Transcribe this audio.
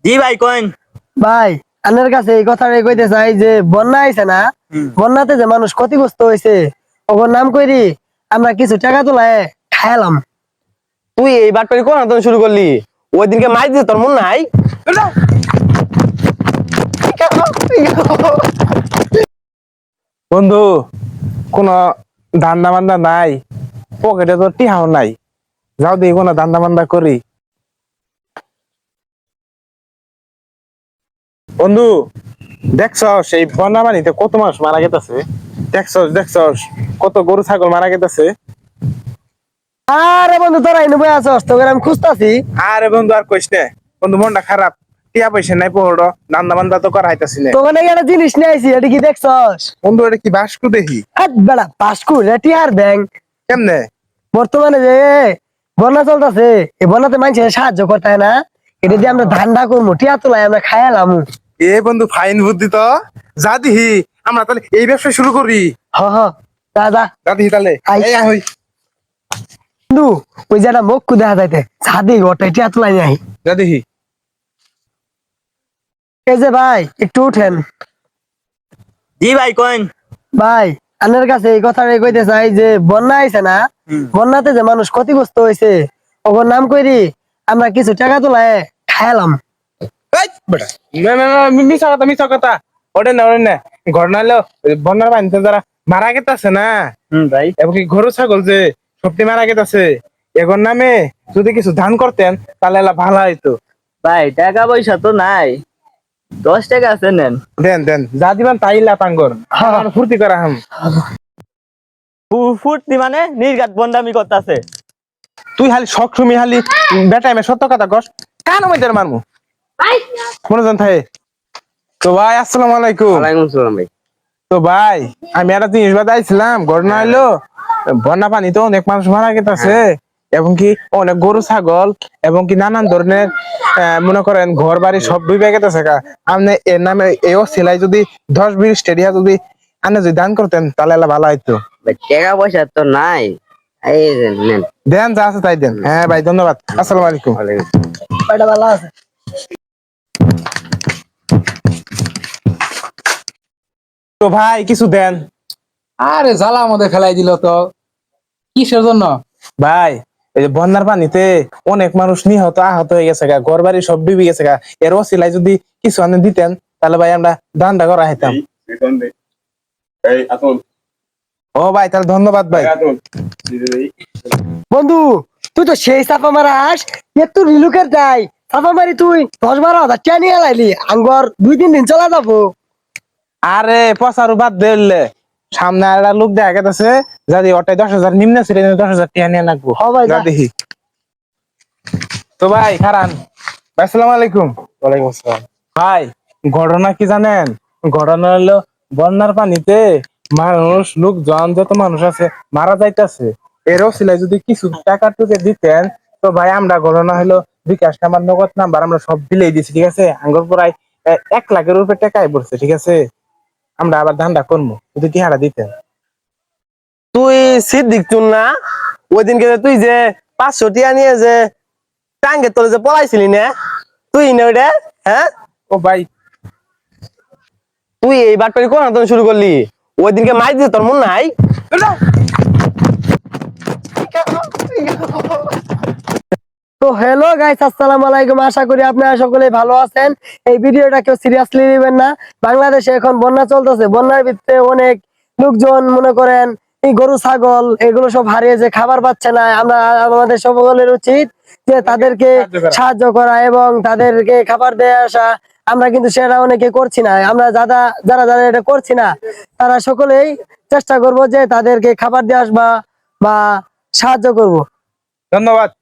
জি ভাই কইন। ভাই আপনার কাছে এই কথাটাই কইতে চাই যে বন্যা আইছে না, বন্যাতে যে মানুষ ক্ষতিগ্রস্ত হয়েছে ওর নাম কইরি আমরা কিছু টাকা তোলায় খায়ালাম। তুই এই বাটপারি কোন আন্দোলন শুরু করলি? ওই দিনকে মাইর দিতে তোর মন নাই? বন্ধু, কোন ধান্দা বান্দা নাই, পকেটে তো টিহাও নাই। যাও দেখি কোন ধান্দা বান্দা করি। বন্ধু, দেখছস এই বন্যা পানিতে কত মানুষ মারা গেছে? দেখছস কত গরু ছাগল মারা গেছে? আরে বন্ধু তোরা এনে বই আছস তোকে আমি খুঁজতাছি। আরে বন্ধু আর কইস না, বন্ধু মনটা খারাপ। টিয়া পয়সা নাই, পড়ো ধান্দা বান্দা তো করা হইতাছি না। তোকে নাকি একটা জিনিস নিয়ে আইছি, এটা কি দেখছস? বন্ধু এটা কি বাসকু দেখি? বেড়া পাসকু রেটিয়ার ব্যাংক। কেমনে? বর্তমানে যে বন্যা চলতেছে, এই বন্যাতে মানুষের সাহায্য করতে হয় না, এটা দিয়ে আমরা ধান্দা করবো, টিয়া তোলাই আমরা খায়ালাম। এ বন্ধু ফাইন বুদ্ধি তো। যা দিহি আমরা তাহলে এই ব্যবসা শুরু করি। হ হ যা যা। যা দিহি তাহলে। আই। এই আয় হই। বন্ধু ওই যে একটা মুখ দেখা যাইতে সাদি ওটা টিয়া তোলাই নাই। যা দিহি। এই যে ভাই একটু উঠেন। জি ভাই কইন। ভাই আপনার কাছে এই কথাটাই কইতে চাই যে বন্যা আইছে না, বন্যাতে যে মানুষ ক্ষতিগ্রস্ত হয়েছে ওর নাম কইরি আমরা কিছু টাকা তোলায় খায়ালাম। এই বেটা। না না না, মিছা কথা। ওটা না ওটা না। ঘটনা হলো বন্যার পানিতে যারা মারা গেছে না, ভাই। এবং কি গরু ছাগল যে সবটি মারা গেছে, এগোর নামে যদি কিছু দান করতেন তাহলে এলা ভালো হইতো। ভাই টাকা পয়সা তো নাই, 10 টাকা আছে নেন। দেন দেন, যা দিবেন তাই লাপাঙ্গর। আমার ফুর্তি করা হাম। ফুর্তি মানে নির্ঘাত বন্ডামি করতেছে। তুই খালি শখ সুমি খালি বেটাই মে সত্য কথা কস, কান মধ্যে মারমু মনোজন থাকে। তো ভাই আসসালামু আলাইকুম। ওয়ালাইকুম আসসালাম ভাই। তো ভাই আমি একটা জিনিস বাতাইছিলাম, ঘটনা হইলো বন্যা পানিতে অনেক মানুষ মারা গেছে, এবং কি অনেক গরু ছাগল এবং কি নানান ধরনের মনে করেন ঘর বাড়ি সব ডুবে গেছে। আপনি এর নামে এও সেলাই যদি 10-20 টাকা যদি আপনি যদি দান করতেন তাহলে এলা ভালো হইতো। ভাই টাকা পয়সা তো নাই, এই যে নেন। দেন যা আছে তাই দেন। হ্যাঁ ভাই ধন্যবাদ, আসসালামু আলাইকুম। ওয়ালাইকুম। এটা ভালো আছে। তো ভাই কিছু দেন। আরে জ্বালা মধ্যে ফেলাই দিল তো, কিসের জন্য? ভাই এই যে বন্যার পানিতে অনেক মানুষ নিহত আহত হয়ে গেছে গা, ঘর বাড়ি সব ডুবে গেছে গা, এর ওসিলায় যদি কিছু আনে দিতেন তাহলে ভাই আমরা দানটা করা হইতাম। ও ভাই তাহলে ধন্যবাদ ভাই। বন্ধু তুই তো সেই চাপা মারাস, একটু রিলুকের যাই চাপা মারি তুই 10-12 হাজার টাকা নিয়ে লাইলি আঙ্গর 2-3 দিন চলা যাবো। আরে পচারু বাদ দিলে সামনে আর একটা লোক দেখা গেছে, যদি ওটাই 10,000 নিম্ন ছিল 10,000 টাকা নিয়ে রাখবো। হ ভাই, যা যা। দেখি। তো ভাই খারান ভাই, আসসালামু আলাইকুম। ওয়ালাইকুম আসসালাম। ভাই ঘটনা কি জানেন? ঘটনা হলো বন্যার পানিতে মানুষ লোকজন যত মানুষ আছে মারা যাইতেছে, এরও সিলাই যদি কিছু টাকা টুকে দিতেন তো ভাই আমরা ঘটনা হলো বিকাশ নাম্বার নগদ নাম্বার আমরা সব দিলেই দিছি, ঠিক আছে? আঙ্গুর প্রায় 1 লাখের উপরে টাকাই পড়ছে, ঠিক আছে? আমরা আবার ধান্দা করবো যদি টিহারা দিতেন। তুই সিদ্দিক তুই না? ওই দিনকে তুই যে 500 টিয়া নিয়ে যে টাঙ্গের তলে যে পলাইছিলি না, তুই না ওইটা? হ্যাঁ, ও ভাই তুই এই বাটপারি কোন আন্দোলন শুরু করলি? ওই দিনকে মাইর দিতে তোর মন নাই? তো হ্যালো গাইস, আসসালামু আলাইকুম। আশা করি আপনারা সকলে ভালো আছেন। এই ভিডিওটা কেউ সিরিয়াসলি নেবেন না। বাংলাদেশে এখন বন্যা চলতেছে, বন্যার ভিতরে অনেক লোকজন মনে করেন এই গরু ছাগল এগুলো সব হারিয়ে যে খাবার পাচ্ছে না, আমরা আমাদের সকলের উচিত যে তাদেরকে সাহায্য করা এবং তাদেরকে খাবার দিয়ে আসা। আমরা কিন্তু সেটা অনেকে করছি না, আমরা যারা যারা যারা এটা করছি না তারা সকলেই চেষ্টা করব যে তাদেরকে খাবার দিয়ে আসবা বা সাহায্য করব। ধন্যবাদ।